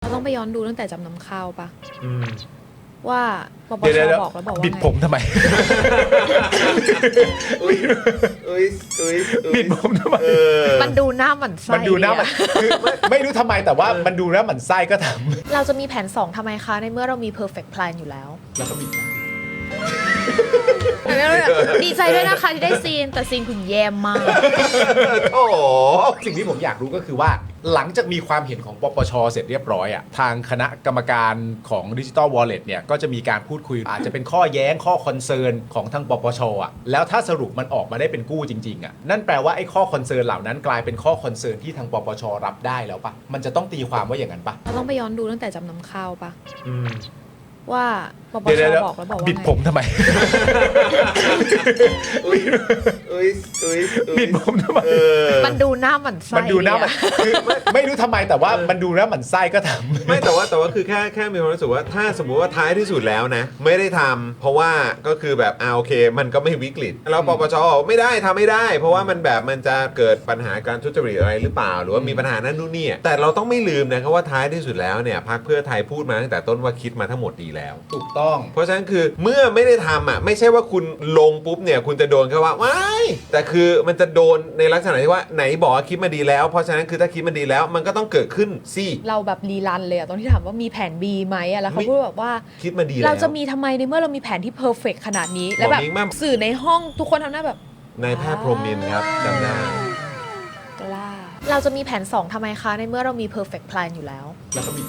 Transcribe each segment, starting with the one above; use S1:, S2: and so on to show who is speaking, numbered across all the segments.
S1: ต้องไปย้อนดูตั้งแต่จำนำข้าวปะ ว่าปป
S2: เดี๋
S1: ช
S2: ยว
S1: บอกแล้วบอกว่า
S2: บิด
S1: ไง
S2: ผมทำไม
S3: อุ้ย
S2: บิดผมทำไม
S1: มันดูหน้าหมันไส้
S2: มันดูหน้ามัน
S1: อะ
S2: คือไม่รู้ทำไมแต่ว่ามันดูแล้วหมันไส้ก็ท
S1: เราจะมีแผน 2ทำไมคะ ในเมื่อเรามี perfect plan อยู่แล้ว
S2: ำแล้วก็บิด
S1: ดีใจด้วยนะคะที่ได้ซีน แต่ซีนคุณแย่มาก
S2: โอ้สิ่งที่ผมอยากรู้ก็คือว่า หลังจากมีความเห็นของปปชเสร็จเรียบร้อยอ่ะทางคณะกรรมการของ Digital Wallet เนี่ยก็จะมีการพูดคุยอาจจะเป็นข้อแย้งข้อคอนเซิร์นของทางปปชอ่ะแล้วถ้าสรุปมันออกมาได้เป็นกู้จริงๆอ่ะนั่นแปลว่าไอ้ข้อคอนเซิร์นเหล่านั้นกลายเป็นข้อคอนเซิร์นที่ทางปปชรับได้แล้วปะมันจะต้องตีความว่าอย่างนั้นปะ
S1: เราต้องไปย้อนดูตั้งแต่จำนำข้าวปะว่าปปช
S2: เดี๋ยว
S1: บอกแล้วบอกว่า
S2: บิด
S1: ไง
S2: ผมทำไม
S3: อุ้ย
S2: บิดผมทำไม
S1: มันดูหน้าหมันไส้
S2: มันดูหน้ามัน
S1: อะ
S2: คือไม่รู้ทำไมแต่ว่ามันดูแล้วหมันไส้ก็ทำ
S3: ไม่แต่ว่าคือแค่มีความรู้สึกว่าถ้าสมมุติว่าท้ายที่สุดแล้วนะไม่ได้ทำเพราะว่าก็คือแบบโอเค มันก็ไม่วิกฤตแล้วปปชบอกไม่ได้ทำไม่ได้ เพราะว่ามันแบบมันจะเกิดปัญหาการทุจริตอะไรหรือเปล่า หรือว่ามีปัญหานั่นนู่นนี่แต่เราต้องไม่ลืมนะครับว่าท้ายที่สุดแล้วเนี่ยพรรคเพื่อไทยพูดมาตั้งแต่ต้นว่าคิดมาทั้งหมดดีแล้ว
S2: ถูกต้อง
S3: เพราะฉะนั้นคือเมื่อไม่ได้ทำไม่ใช่ว่าคุณลงปุ๊บเนี่ยคุณจะโดนแค่ว่าว้ายแต่คือมันจะโดนในลักษณะที่ว่าไหนบอกว่าคิดมาดีแล้วเพราะฉะนั้นคือถ้าคิดมาดีแล้วมันก็ต้องเกิดขึ้นสิ
S1: เราแบบรีรันเลยอะตอนที่ถามว่ามีแผน B ไหมอะแล้วเขาพูดแบบว่า
S3: คิดมาดีแล้ว
S1: เราจะมีทำไมในเมื่อเรามีแผนที่เพอร์เฟกขนาดนี้ แล้วแบบ
S3: บอกนี้มาก
S1: สื่อในห้องทุกคนทำหน้าแบบ
S3: นายแพทย์พรหมินทร์ครับจำได้
S1: กล้าเราจะมีแผน 2ทำไมคะ ในเมื่อเรามี perfect plan อยู่แล้ว
S2: แล้วก็บิด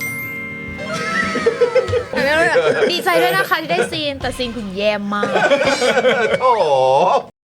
S1: ดีใจด้วยนะคะที่ได้ซีน แต่ซีนคุณแย่มาก
S3: โอ้